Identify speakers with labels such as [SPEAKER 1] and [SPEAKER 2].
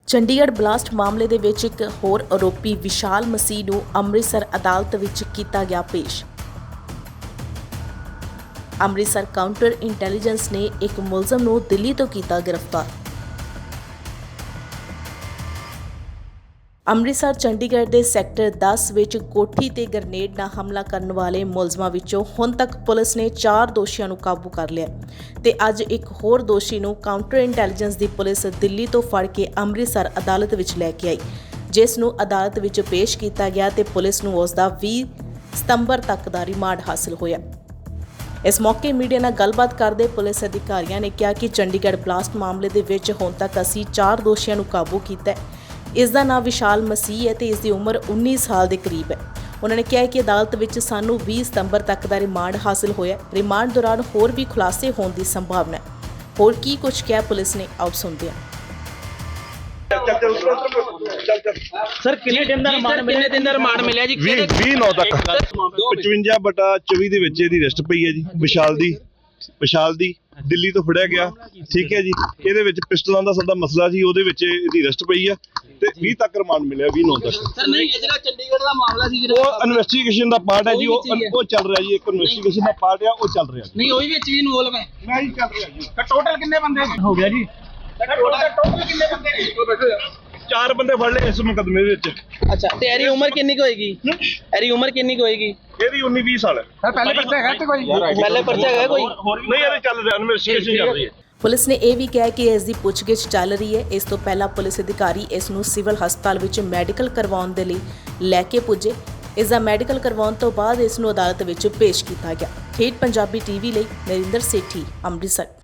[SPEAKER 1] Chandigarh blast ਮਾਮਲੇ ਦੇ ਵਿੱਚ ਇੱਕ ਹੋਰ ਆਰੋਪੀ ਵਿਸ਼ਾਲ ਮਸੀਹ ਨੂੰ ਅੰਮ੍ਰਿਤਸਰ ਅਦਾਲਤ ਵਿੱਚ ਕੀਤਾ ਗਿਆ ਪੇਸ਼। ਅੰਮ੍ਰਿਤਸਰ ਕਾਊਂਟਰ ਇੰਟੈਲੀਜੈਂਸ ਨੇ ਇੱਕ ਮੁਲਜ਼ਮ ਨੂੰ ਦਿੱਲੀ ਤੋਂ ਕੀਤਾ ਗ੍ਰਿਫਤਾਰ। ਅੰਮ੍ਰਿਤਸਰ ਚੰਡੀਗੜ੍ਹ ਦੇ ਸੈਕਟਰ 10 ਵਿੱਚ ਕੋਠੀ ਤੇ ਗ੍ਰਨੇਡ ਨਾਲ ਹਮਲਾ ਕਰਨ ਵਾਲੇ ਮੁਲਜ਼ਮਾਂ ਵਿੱਚੋਂ ਹੁਣ ਤੱਕ ਪੁਲਿਸ ਨੇ 4 ਦੋਸ਼ੀਆਂ ਨੂੰ ਕਾਬੂ ਕਰ ਲਿਆ ਤੇ ਅੱਜ ਇੱਕ ਹੋਰ ਦੋਸ਼ੀ ਨੂੰ ਕਾਊਂਟਰ ਇੰਟੈਲੀਜੈਂਸ ਦੀ ਪੁਲਿਸ ਦਿੱਲੀ ਤੋਂ ਫੜ ਕੇ ਅੰਮ੍ਰਿਤਸਰ ਅਦਾਲਤ ਵਿੱਚ ਲੈ ਕੇ ਆਈ, ਜਿਸ ਨੂੰ ਅਦਾਲਤ ਵਿੱਚ ਪੇਸ਼ ਕੀਤਾ ਗਿਆ ਤੇ ਪੁਲਿਸ ਨੂੰ ਉਸ ਦਾ 20 ਸਤੰਬਰ ਤੱਕ ਦਾ ਰਿਮਾਂਡ ਹਾਸਲ ਹੋਇਆ। ਇਸ ਮੌਕੇ ਮੀਡੀਆ ਨਾਲ ਗੱਲਬਾਤ ਕਰਦੇ ਪੁਲਿਸ ਅਧਿਕਾਰੀਆਂ ਨੇ ਕਿਹਾ ਕਿ ਚੰਡੀਗੜ੍ਹ ਬਲਾਸਟ ਮਾਮਲੇ ਦੇ ਵਿੱਚ ਹੁਣ ਤੱਕ ਅਸੀਂ 4 ਦੋਸ਼ੀਆਂ ਨੂੰ ਕਾਬੂ ਕੀਤਾ ਹੈ। ਇਸ ਦਾ ਨਾਮ ਵਿਸ਼ਾਲ ਮਸੀਹ ਹੈ ਤੇ ਇਸ ਦੀ ਉਮਰ 19 ਸਾਲ ਦੇ ਕਰੀਬ ਹੈ। ਉਹਨਾਂ ਨੇ ਕਿਹਾ ਕਿ ਅਦਾਲਤ ਵਿੱਚ ਸਾਨੂੰ 20 ਸਤੰਬਰ ਤੱਕ ਦਾ ਰਿਮਾਂਡ ਹਾਸਲ ਹੋਇਆ। ਰਿਮਾਂਡ ਦੌਰਾਨ ਹੋਰ ਵੀ ਖੁਲਾਸੇ ਹੋਣ ਦੀ ਸੰਭਾਵਨਾ ਹੈ। ਹੋਰ ਕੀ ਕੁਝ ਕਿਹਾ ਪੁਲਿਸ ਨੇ, ਆਓ ਸੁਣਦੇ ਹਾਂ।
[SPEAKER 2] ਸਰ ਕਿੰਨੇ ਦਿਨ ਦਾ ਰਿਮਾਂਡ ਮਿਲਿਆ ਜੀ?
[SPEAKER 3] 20/9 ਤੱਕ 55/24 ਦੇ ਵਿੱਚ ਇਹਦੀ ਅਰੈਸਟ ਪਈ ਹੈ ਜੀ। ਵਿਸ਼ਾਲ ਦੀ ਦਿੱਲੀ ਤੋਂ ਫੜਿਆ ਗਿਆ, ਠੀਕ ਹੈ ਜੀ। ਇਹਦੇ ਵਿੱਚ ਪਿਸਟਲਾਂ ਦਾ ਸਾਡਾ ਮਸਲਾ ਸੀ, ਉਹਦੇ ਵਿੱਚ ਇਹਦੀ ਅਰੈਸਟ ਪਈ ਆ ਤੇ 20 ਤੱਕ ਰਿਮਾਂਡ ਮਿਲਿਆ 20/9 ਤੱਕ।
[SPEAKER 2] ਸਰ ਨਹੀਂ, ਇਹ ਜਿਹੜਾ ਚੰਡੀਗੜ੍ਹ ਦਾ ਮਾਮਲਾ ਸੀ
[SPEAKER 3] ਉਹ ਇਨਵੈਸਟੀਗੇਸ਼ਨ ਦਾ ਪਾਰਟ ਹੈ ਜੀ। ਉਹ ਚੱਲ ਰਿਹਾ ਜੀ, ਇੱਕ ਇਨਵੈਸਟੀਗੇਸ਼ਨ ਦਾ ਪਾਰਟ ਆ, ਉਹ ਚੱਲ ਰਿਹਾ।
[SPEAKER 2] ਨਹੀਂ, ਉਹ ਵਿੱਚ ਵੀ ਇਨਵੋਲਵ ਹੈ।
[SPEAKER 3] ਨਹੀਂ ਚੱਲ ਰਿਹਾ ਜੀ।
[SPEAKER 2] ਟੋਟਲ ਕਿੰਨੇ ਬੰਦੇ ਹੋ ਗਿਆ ਜੀ? ਟੋਟਲ ਕਿੰਨੇ ਬੰਦੇ?
[SPEAKER 3] 4 ਬੰਦੇ ਫੜ ਲਏ ਇਸ ਮੁਕੱਦਮੇ ਦੇ ਵਿੱਚ।
[SPEAKER 2] ਅੱਛਾ, ਤੇ ਇਹਦੀ ਉਮਰ ਕਿੰਨੀ ਕੁ ਹੋਏਗੀ?
[SPEAKER 3] ਇਹਦੀ 19-20 ਸਾਲ ਹੈ।
[SPEAKER 2] ਸਰ ਪਹਿਲੇ ਪਰਚਾ ਹੈਗਾ ਤੇ ਕੋਈ? ਪਹਿਲੇ ਪਰਚਾ ਹੈਗਾ ਕੋਈ?
[SPEAKER 3] ਨਹੀਂ, ਇਹਦੇ ਚੱਲ ਰਿਹਾ, ਇਨਵੈਸਟੀਗੇਸ਼ਨ ਚੱਲ ਰਹੀ ਹੈ।
[SPEAKER 1] ਪੁਲਿਸ ਨੇ ਇਹ ਵੀ ਕਿਹਾ ਕਿ ਇਸ ਦੀ ਪੁੱਛਗਿੱਛ ਚੱਲ ਰਹੀ ਹੈ। ਇਸ ਤੋਂ ਪਹਿਲਾਂ ਪੁਲਿਸ ਅਧਿਕਾਰੀ ਇਸ ਨੂੰ ਸਿਵਲ ਹਸਪਤਾਲ ਵਿੱਚ ਮੈਡੀਕਲ ਕਰਵਾਉਣ ਦੇ ਲਈ ਲੈ ਕੇ ਪੁੱਜੇ। ਇਸ ਦਾ ਮੈਡੀਕਲ ਕਰਵਾਉਣ ਤੋਂ ਬਾਅਦ ਇਸ ਨੂੰ ਅਦਾਲਤ ਵਿੱਚ ਪੇਸ਼ ਕੀਤਾ ਗਿਆ। ਠੇਠ ਪੰਜਾਬੀ ਟੀਵੀ ਲਈ ਨਰਿੰਦਰ ਸੇਠੀ, ਅੰਮ੍ਰਿਤਸਰ।